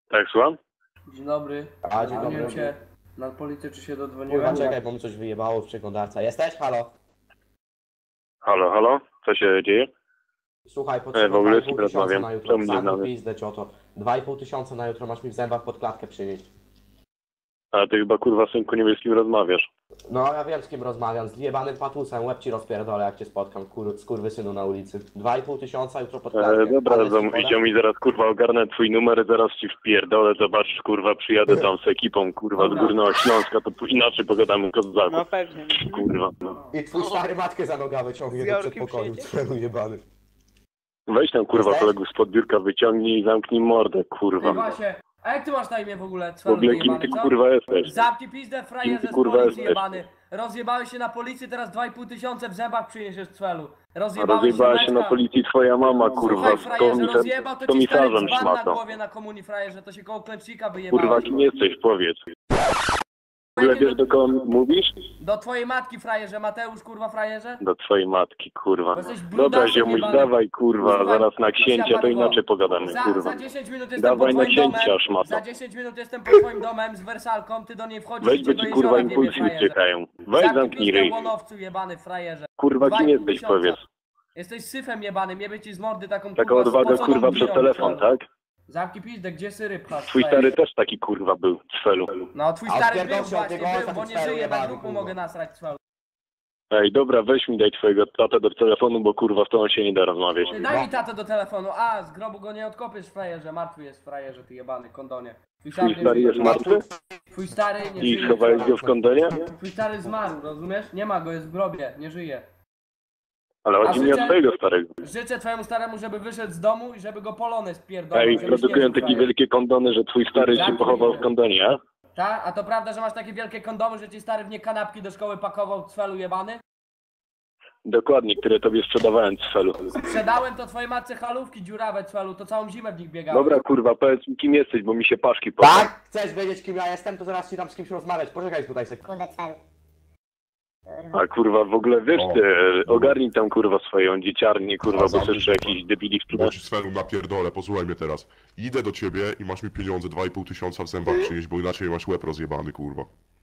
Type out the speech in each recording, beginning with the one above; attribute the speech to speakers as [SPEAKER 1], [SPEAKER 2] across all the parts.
[SPEAKER 1] Tak, słucham?
[SPEAKER 2] Dzień dobry.
[SPEAKER 3] A, dzień dobry.
[SPEAKER 2] Dzwoniłem się na policję, czy się
[SPEAKER 3] Kurwa,
[SPEAKER 2] dodzwoniłem?
[SPEAKER 3] czekaj, bo mi coś wyjebało w przeglądarce. Jesteś? Halo?
[SPEAKER 1] Halo, halo? Co się dzieje?
[SPEAKER 3] Słuchaj,
[SPEAKER 1] w
[SPEAKER 3] potrzebuję
[SPEAKER 1] ogóle z
[SPEAKER 3] 2,5
[SPEAKER 1] kim
[SPEAKER 3] tysiąca
[SPEAKER 1] rozmawiam?
[SPEAKER 3] na
[SPEAKER 1] Co
[SPEAKER 3] jutro.
[SPEAKER 1] mnie
[SPEAKER 3] Zamknij
[SPEAKER 1] znamy?
[SPEAKER 3] pizdę, cioto. 2,5 tysiąca na jutro masz mi w zębach pod klatkę przynieść.
[SPEAKER 1] A ty chyba kurwa synku nie wiesz z kim rozmawiasz.
[SPEAKER 3] No, ja wiem z kim rozmawiam. Z jebanym patusem. Łeb ci rozpierdolę, jak cię spotkam, skurwysynu na ulicy. 2,5 tysiąca jutro pod klatkę.
[SPEAKER 1] Dobra,
[SPEAKER 3] Adres ci podam?
[SPEAKER 1] idzie mi zaraz kurwa ogarnę twój numer, zaraz ci wpierdolę, zobaczysz kurwa, przyjadę tam z ekipą kurwa z Górnego Śląska, to inaczej pogadamy kozaku.
[SPEAKER 4] No pewnie.
[SPEAKER 1] Kurwa, no.
[SPEAKER 3] I twój stary matkę za noga wyciągnie do przedpokoju, celu jebany.
[SPEAKER 1] Weź tam kurwa
[SPEAKER 3] Jesteś?
[SPEAKER 1] kolegów z podbiórka, wyciągnij i zamknij mordę,
[SPEAKER 2] Ty
[SPEAKER 1] kurwa.
[SPEAKER 2] właśnie, a jak ty masz na imię w ogóle?
[SPEAKER 1] W ogóle kim ty kurwa jesteś?
[SPEAKER 2] Zamknij pizdę, frajerze
[SPEAKER 1] Kim ty,
[SPEAKER 2] z
[SPEAKER 1] kurwa,
[SPEAKER 2] policji
[SPEAKER 1] jesteś?
[SPEAKER 2] jebany. Rozjebałeś się na policji, teraz 2,5 tysiąca w zębach przyniesiesz celu.
[SPEAKER 1] A
[SPEAKER 2] Rozjebałeś
[SPEAKER 1] rozjebała się na
[SPEAKER 2] Meczka.
[SPEAKER 1] policji twoja mama, kurwa,
[SPEAKER 2] Słuchaj,
[SPEAKER 1] z
[SPEAKER 2] frajerze, rozjebał, to ci stary
[SPEAKER 1] komisarzem
[SPEAKER 2] dzban na
[SPEAKER 1] szmato.
[SPEAKER 2] głowie na komunii, frajerze, to się koło klęcznika wyjebałeś.
[SPEAKER 1] Kurwa, kim jesteś, powiedz. W ogóle wiesz, do kogo mówisz?
[SPEAKER 2] Do twojej matki, frajerze, Mateusz, kurwa, frajerze?
[SPEAKER 1] Do twojej matki, kurwa.
[SPEAKER 2] Bo jesteś
[SPEAKER 1] Dobra,
[SPEAKER 2] brudasem
[SPEAKER 1] ziomuś,
[SPEAKER 2] jebany.
[SPEAKER 1] dawaj, kurwa,
[SPEAKER 2] Słuchaj,
[SPEAKER 1] zaraz na księcia, to
[SPEAKER 2] Siaparko,
[SPEAKER 1] inaczej pogadamy, kurwa.
[SPEAKER 2] Za 10 minut jestem
[SPEAKER 1] Dawaj
[SPEAKER 2] pod
[SPEAKER 1] na
[SPEAKER 2] twoim
[SPEAKER 1] księcia,
[SPEAKER 2] domem.
[SPEAKER 1] szmato.
[SPEAKER 2] Za 10 minut jestem pod twoim domem z wersalką, ty do niej wchodzisz
[SPEAKER 1] Weź,
[SPEAKER 2] i
[SPEAKER 1] bo
[SPEAKER 2] cię do
[SPEAKER 1] ci,
[SPEAKER 2] jeziora
[SPEAKER 1] kurwa,
[SPEAKER 2] wiebie,
[SPEAKER 1] impulsy
[SPEAKER 2] frajerze.
[SPEAKER 1] uciekają. Weź, zamknij
[SPEAKER 2] pizdę,
[SPEAKER 1] ryj.
[SPEAKER 2] łonowcu jebany, frajerze.
[SPEAKER 1] Kurwa, kim
[SPEAKER 2] 2,5
[SPEAKER 1] jesteś,
[SPEAKER 2] tysiąca.
[SPEAKER 1] powiedz.
[SPEAKER 2] Jesteś syfem jebanym, jebie ci z mordy taką
[SPEAKER 1] Taka
[SPEAKER 2] kurwa
[SPEAKER 1] odwaga,
[SPEAKER 2] spoconą
[SPEAKER 1] kurwa, przez
[SPEAKER 2] birą,
[SPEAKER 1] telefon,
[SPEAKER 2] frajerze.
[SPEAKER 1] tak?
[SPEAKER 2] Zamknij pizdę, gdzie syry pchasz,
[SPEAKER 1] Twój
[SPEAKER 2] frajerze?
[SPEAKER 1] stary też taki, kurwa, był, cfelu.
[SPEAKER 2] No, twój
[SPEAKER 3] A
[SPEAKER 2] stary
[SPEAKER 3] odpierdol
[SPEAKER 2] był
[SPEAKER 3] się od
[SPEAKER 2] właśnie,
[SPEAKER 3] niego,
[SPEAKER 2] był,
[SPEAKER 3] ojca,
[SPEAKER 2] bo
[SPEAKER 3] ten
[SPEAKER 2] nie
[SPEAKER 3] stary
[SPEAKER 2] żyje,
[SPEAKER 3] jebany,
[SPEAKER 2] na duchu
[SPEAKER 3] kurwa.
[SPEAKER 2] mogę nasrać, cfelu.
[SPEAKER 1] Ej, dobra, weź mi, daj twojego tatę do telefonu, bo kurwa, z tobą się nie da rozmawiać.
[SPEAKER 2] Ty daj mi tatę do telefonu, a z grobu go nie odkopiesz, frajerze, martwy jest frajerze, ty jebany kondonie.
[SPEAKER 1] Twój
[SPEAKER 2] nie
[SPEAKER 1] stary
[SPEAKER 2] żyje.
[SPEAKER 1] jest martwy?
[SPEAKER 2] Twój stary nie
[SPEAKER 1] I
[SPEAKER 2] żyje.
[SPEAKER 1] schowałeś go w kondonie?
[SPEAKER 2] Twój stary zmarł, rozumiesz? Nie ma go, jest w grobie, nie żyje.
[SPEAKER 1] Ale chodzi mi o
[SPEAKER 2] życzę-
[SPEAKER 1] twojego starego.
[SPEAKER 2] Życzę twojemu staremu, żeby wyszedł z domu i żeby go polony spierdolił.
[SPEAKER 1] Ej,
[SPEAKER 2] żebyś
[SPEAKER 1] produkują
[SPEAKER 2] nie żył,
[SPEAKER 1] takie
[SPEAKER 2] frajerze.
[SPEAKER 1] wielkie kondony, że twój stary się
[SPEAKER 2] Zamknij
[SPEAKER 1] pochował w
[SPEAKER 2] się.
[SPEAKER 1] kondonie, a?
[SPEAKER 2] Tak? A to prawda, że masz takie wielkie kondomy, że ci stary w nie kanapki do szkoły pakował, cfelu jebany?
[SPEAKER 1] Dokładnie, które tobie sprzedawałem, cfelu.
[SPEAKER 2] Sprzedałem to twojej matce halówki dziurawe, cfelu, to całą zimę w nich biegałem.
[SPEAKER 1] Dobra, kurwa, powiedz mi, kim jesteś, bo mi się paszki poszły.
[SPEAKER 3] Tak? Chcesz wiedzieć, kim ja jestem, to zaraz ci dam z kimś rozmawiać. Poczekaj tutaj sekundę.
[SPEAKER 5] Kurde, cel.
[SPEAKER 1] A kurwa, w ogóle wiesz ty, ogarnij tam kurwa swoją dzieciarnię, kurwa, bo chcesz jeszcze jakiś debili w
[SPEAKER 6] Bo ci Svenu napierdolę, posłuchaj mnie teraz. Idę do ciebie i masz mi pieniądze 2,5 tysiąca w zębach przynieść, bo inaczej masz łeb rozjebany, kurwa.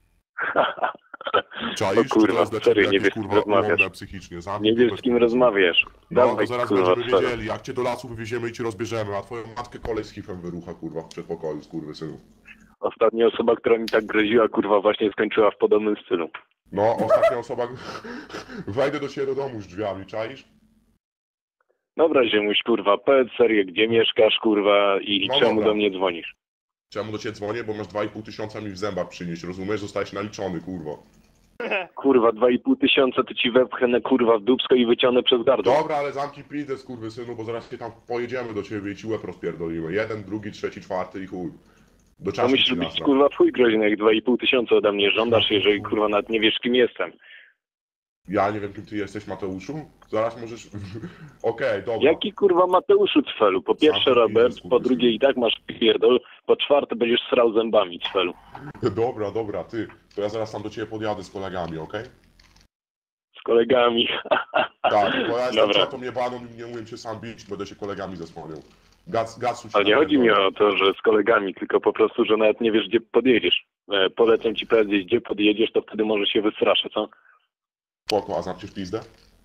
[SPEAKER 6] Czaisz?
[SPEAKER 1] O
[SPEAKER 6] Czy
[SPEAKER 1] kurwa,
[SPEAKER 6] to jest dla
[SPEAKER 1] serio,
[SPEAKER 6] ciebie
[SPEAKER 1] nie
[SPEAKER 6] jakieś,
[SPEAKER 1] wiesz, z kim
[SPEAKER 6] kurwa,
[SPEAKER 1] rozmawiasz.
[SPEAKER 6] ułomne psychicznie? Zamknij
[SPEAKER 1] Nie wiesz,
[SPEAKER 6] dupę,
[SPEAKER 1] z kim
[SPEAKER 6] kurwa.
[SPEAKER 1] rozmawiasz.
[SPEAKER 6] No, to
[SPEAKER 1] Dawaj,
[SPEAKER 6] zaraz
[SPEAKER 1] kurwa,
[SPEAKER 6] będziemy
[SPEAKER 1] cfelu.
[SPEAKER 6] wiedzieli, jak cię do lasu wywieziemy i cię rozbierzemy, a twoją matkę kolej z hifem wyrucha, kurwa, w przedpokoju, skurwysynu.
[SPEAKER 1] Ostatnia osoba, która mi tak groziła, kurwa, właśnie skończyła w podobnym stylu.
[SPEAKER 6] No, ostatnia osoba... Wejdę do ciebie do domu z drzwiami, czaisz?
[SPEAKER 1] Dobra, ziemuś, kurwa, powiedz serię, gdzie mieszkasz, kurwa, i
[SPEAKER 6] No
[SPEAKER 1] czemu
[SPEAKER 6] dobra.
[SPEAKER 1] do mnie dzwonisz?
[SPEAKER 6] Czemu do ciebie dzwonię? Bo masz 2,5 tysiąca mi w zębach przynieść, rozumiesz? Zostałeś naliczony, kurwa.
[SPEAKER 1] Kurwa, 2,5 tysiąca to ci wepchnę, kurwa, w dupsko i wyciągnę przez gardło.
[SPEAKER 6] Dobra, ale zamknij pizdę, skurwysynu, bo zaraz się tam pojedziemy do ciebie i ci łeb rozpierdolimy. Jeden, drugi, trzeci, czwarty i chuj. Do
[SPEAKER 1] To
[SPEAKER 6] czasu
[SPEAKER 1] musisz
[SPEAKER 6] ci
[SPEAKER 1] być,
[SPEAKER 6] nasra.
[SPEAKER 1] kurwa, twój groźny, jak 2,5 tysiąca ode mnie żądasz, jeżeli, kurwa, nawet nie wiesz, kim jestem.
[SPEAKER 6] Ja nie wiem, kim ty jesteś, Mateuszu? Zaraz możesz... Okej, dobra.
[SPEAKER 1] Jaki, kurwa, Mateuszu, cfelu? Po pierwsze,
[SPEAKER 6] Zamknij
[SPEAKER 1] Robert,
[SPEAKER 6] pizdę,
[SPEAKER 1] po drugie i tak masz pierdol, po czwarte będziesz srał zębami, cfelu.
[SPEAKER 6] Dobra, ty. To ja zaraz tam do ciebie podjadę z kolegami, okej?
[SPEAKER 1] Z kolegami.
[SPEAKER 6] Tak, bo ja jestem
[SPEAKER 1] Dobra.
[SPEAKER 6] czatą jebaną i nie umiem się sam bić, będę się kolegami zasłaniał. Gacu ci
[SPEAKER 1] Ale nie chodzi mi
[SPEAKER 6] napierdolę.
[SPEAKER 1] o to, że z kolegami, tylko po prostu, że nawet nie wiesz, gdzie podjedziesz. Polecam ci powiedzieć, gdzie podjedziesz, to wtedy może się wystraszę, co?
[SPEAKER 6] Spoko, a zamkniesz pizdę?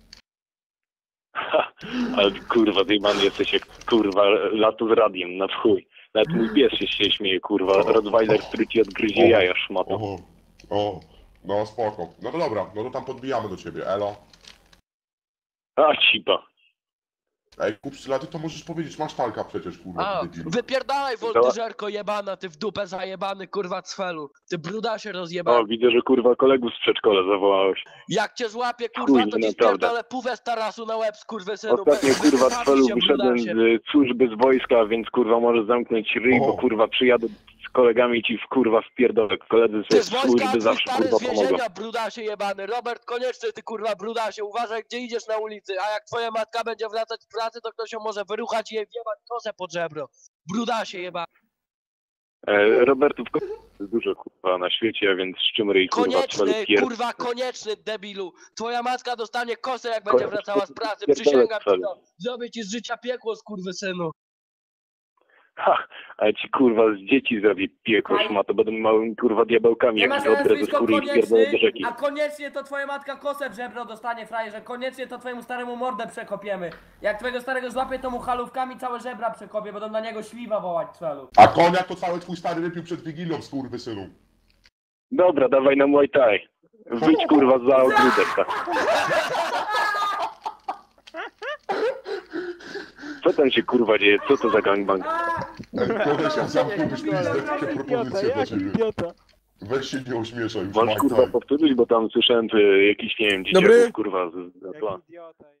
[SPEAKER 1] Ale kurwa, zjebany jesteś jak, kurwa, latu z radiem, na chuj. Nawet mój pies się śmieje, kurwa, Rottweiler, który ci odgryzie jaja, szmato.
[SPEAKER 6] No spoko. No to dobra, no to tam podbijamy do ciebie, elo.
[SPEAKER 1] A, cipa.
[SPEAKER 6] Ej, kupcy, ty to możesz powiedzieć, masz talka przecież, kurwa,
[SPEAKER 4] A,
[SPEAKER 6] ty debilu.
[SPEAKER 4] wypierdalaj woltyżerko jebana, ty w dupę zajebany kurwa cfelu. Ty brudasie rozjebany.
[SPEAKER 1] O, widzę, że kurwa kolegów z przedszkola zawołałeś.
[SPEAKER 4] Jak cię złapie kurwa,
[SPEAKER 1] Chuj,
[SPEAKER 4] to ci
[SPEAKER 1] naprawdę.
[SPEAKER 4] spierdolę puwę z tarasu na łeb skurwysynu.
[SPEAKER 1] Ostatnio, kurwa,
[SPEAKER 4] Wystawi
[SPEAKER 1] cfelu
[SPEAKER 4] się,
[SPEAKER 1] wyszedłem
[SPEAKER 4] brudasie.
[SPEAKER 1] z służby, z wojska, więc, kurwa, możesz zamknąć ryj, bo,
[SPEAKER 6] O.
[SPEAKER 1] kurwa, przyjadę z kolegami i ci kurwa wpierdolę. Koledzy
[SPEAKER 4] Ty
[SPEAKER 1] z
[SPEAKER 4] z wojska,
[SPEAKER 1] służby
[SPEAKER 4] twój
[SPEAKER 1] zawsze,
[SPEAKER 4] stary
[SPEAKER 1] kurwa,
[SPEAKER 4] z
[SPEAKER 1] pomogą.
[SPEAKER 4] więzienia, brudasie jebany. Robert Konieczny, ty kurwa brudasie, uważaj gdzie idziesz na ulicy, a jak twoja matka będzie wracać z pracy, to ktoś ją może wyruchać i jej wjebać kosę pod żebro. Brudasie jebany.
[SPEAKER 1] Robertów jest dużo, kurwa, na świecie, więc z czym ryj, kurwa,
[SPEAKER 4] Konieczny,
[SPEAKER 1] cfelu pierd...
[SPEAKER 4] kurwa konieczny, debilu. Twoja matka dostanie kosę jak będzie
[SPEAKER 1] Konieczny,
[SPEAKER 4] wracała z pracy,
[SPEAKER 1] pierdolę,
[SPEAKER 4] przysięgam ci
[SPEAKER 1] cfelu.
[SPEAKER 4] to. Zrobię ci z życia piekło, skurwysynu.
[SPEAKER 1] Ha, ale ci kurwa z dzieci zrobię piekło szmato, będą małymi kurwa diabełkami,
[SPEAKER 2] Nie
[SPEAKER 1] jak
[SPEAKER 2] masz
[SPEAKER 1] się odrę ze
[SPEAKER 2] nazwisko
[SPEAKER 1] skóry i spierdolę do rzeki.
[SPEAKER 2] a koniecznie to twoja matka kosę w żebro dostanie, frajerze. Koniecznie to twojemu staremu mordę przekopiemy. Jak twojego starego złapie, to mu halówkami całe żebra przekopię, będą na niego śliwa wołać celu.
[SPEAKER 6] A koniak to cały twój stary wypił przed Wigilią, skurwysynu.
[SPEAKER 1] Dobra, dawaj na Muay Thai. Wyjdź kurwa za ogródek, tak. Co tam się kurwa dzieje? Co to za gangbang?
[SPEAKER 6] Kolesia, zamknąłbyś pizdę, takie propozycje dla ciebie.
[SPEAKER 5] Idiota.
[SPEAKER 6] Weź się nie ośmieszaj.
[SPEAKER 1] Możesz kurwa powtórzyć, bo tam słyszałem jakieś, nie wiem,
[SPEAKER 5] Dobry.
[SPEAKER 1] dzieciaków kurwa z
[SPEAKER 5] Jaki
[SPEAKER 1] tła.
[SPEAKER 5] idiota.